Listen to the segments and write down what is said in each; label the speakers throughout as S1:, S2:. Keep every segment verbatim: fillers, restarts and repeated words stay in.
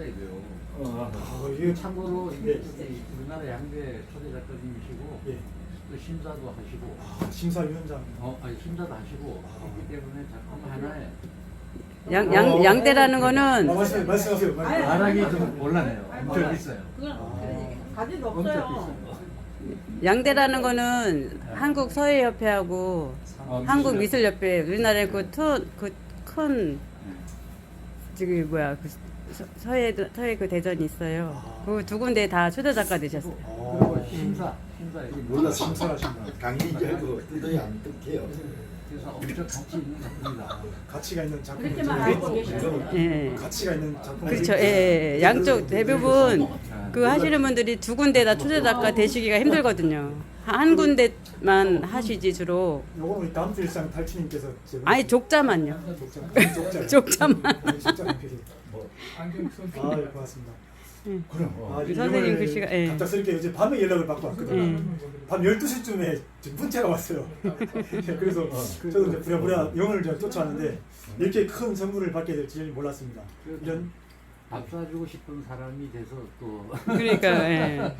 S1: 돼요.
S2: 어,
S3: 아, 이게
S1: 참고로
S3: 네.
S1: 이게 우리나라 양대 초대 작가님이시고
S3: 예.
S1: 또 심사도 하시고
S3: 아, 심사위원장.
S1: 어 아니 심사도 하시고 했기 때문에 작품 하나에
S4: 양, 양, 양대라는
S3: 아,
S4: 거는
S3: 말씀, 말씀하세요. 말씀.
S1: 말하기 좀 곤란해요. 엄청 비싸요.
S5: 가진 거
S1: 엄청
S5: 없어요.
S1: 비싸요.
S4: 양대라는 거는 한국 서예협회하고
S1: 어,
S4: 한국 미술협회 우리나라의 그큰 저기 뭐야 그 서- 서예 서예 그 대전이 있어요. 그 두 군데 다 초대 작가 되셨어요.
S1: 그리고
S3: 아,
S1: 심사 심사
S2: 몰라
S3: 심사하신다.
S2: 강의자고 뜯어야 안 뜯겨요.
S1: 그래서 엄청 가치 있는 작품이다.
S3: 가치가 있는 작품.
S5: 그렇게만 알고 계시죠.
S4: 예.
S3: 가치가 있는 작품.
S4: 그렇죠. 예, 예. 양쪽 대부분 그 하시는 분들이 두 군데 다 초대 작가 되시기가 힘들거든요. 한 군데만 하시지 주로.
S3: 요거 우리 다음 주 일상 탈취님께서
S4: 아니 족자만요.
S3: 족자. 족자.
S4: 족자만.
S3: 아니, 족자 편지. 아, 예, 고맙습니다.
S2: 그럼
S3: 아, 이제
S4: 선생님
S3: 이걸
S4: 글씨가, 예.
S3: 갑작스럽게 어제 밤에 연락을 받고 왔거든요.
S4: 예.
S3: 밤 열두 시쯤에 문자가 왔어요. 그래서 저도 이제 부랴부랴 영을 이제 쫓아왔는데 이렇게 큰 선물을 받게 될지 몰랐습니다. 이런
S1: 밥 사주고 싶은 사람이 돼서 또
S4: 그러니까 예.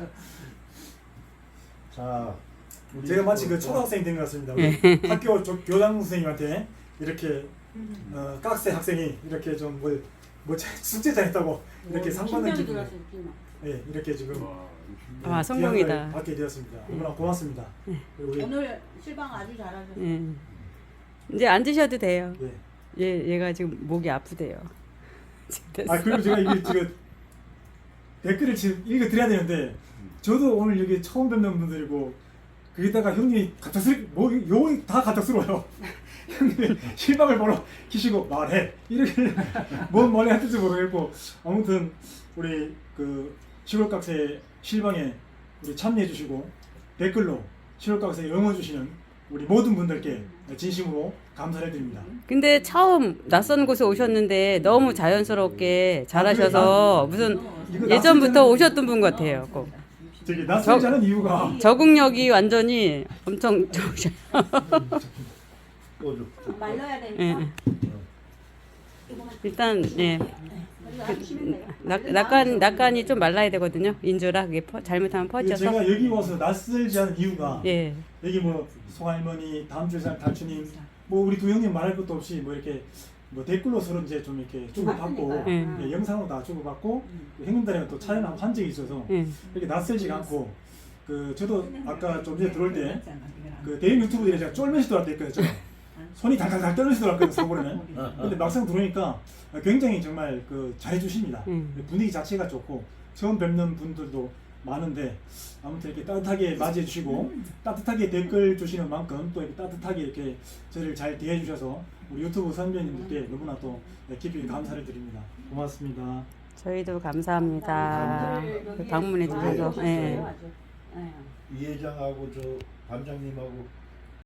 S2: 자, 우리
S3: 제가 마치
S2: 또-
S3: 그 초등학생 된 것 같습니다. 우리 학교 조, 교장 선생님한테 이렇게 어, 깍새 학생이 이렇게 좀뭐 뭐 숙제 잘했다고 이렇게 상 받는 기분. 예, 이렇게 지금
S4: 아,
S3: 예,
S4: 성공이다.
S3: 기한을 받게 되었습니다. 너무나 고맙습니다. 그리고 우리
S5: 오늘 실방 아주 잘하셨어요.
S4: 예. 이제 앉으셔도 돼요.
S3: 예.
S4: 얘 얘가 지금 목이 아프대요.
S3: 아 그리고 제가 이게 지금 댓글을 지금 읽어 드려야 되는데 저도 오늘 여기 처음 뵙는 분들이고 거기다가 형님이 갑작스럽게 뭐 요이 다 갑작스러워요. 형님이 실방을 보러 키시고 말해 이렇게 뭔 말이 하는지 모르겠고 아무튼 우리 그 시골각새 실방에 우리 참여해 주시고 댓글로 시골각새 응원 주시는 우리 모든 분들께 진심으로 감사를 드립니다.
S4: 근데 처음 낯선 곳에 오셨는데 너무 자연스럽게 잘하셔서 무슨 예전부터 오셨던 분 같아요. 꼭.
S3: 저기 낯설지 않은 이유가
S4: 적응력이 완전히 엄청 좋으셔요.
S2: 또 좀-
S5: 말려야
S4: 예.
S5: 되니까.
S4: 일단 예.
S5: 아주 심했네요.
S4: 낙, 낙간 낙간이 좀 말라야 되거든요. 인조라 그게 퍼, 잘못하면 퍼져서.
S3: 제가 여기 와서 낯설지 않은 이유가
S4: 예.
S3: 여기 뭐 송할머니 다음 주에 살 달추님 뭐 우리 두 형님 말할 것도 없이 뭐 이렇게 뭐 댓글로 서로 이제 좀 이렇게 주고받고
S4: 예.
S3: 예, 영상으로 다 주고받고 형님들이랑 또 촬영하고 한 적이 있어서
S4: 예.
S3: 이렇게 낯설지가 않고 그 저도 아까 좀 전에 들어올 때 그 대형 유튜브들이 제가 쫄면서 들어왔다 했거든요. 손이 달달달 떨면서 들어왔거든요. 서울에는. 근데 막상 들어오니까 굉장히 정말 그 잘해주십니다.
S4: 음.
S3: 분위기 자체가 좋고 처음 뵙는 분들도 많은데 아무튼 이렇게 따뜻하게 맞이해 주시고 따뜻하게 댓글 주시는 만큼 또 이렇게 따뜻하게 이렇게 저를 잘 대해 주셔서 우리 유튜브 선배님들께 너무나 또 깊이 감사를 드립니다. 고맙습니다.
S4: 저희도 감사합니다. 방문해 주셔서. 예.
S2: 이 회장하고 저 반장님하고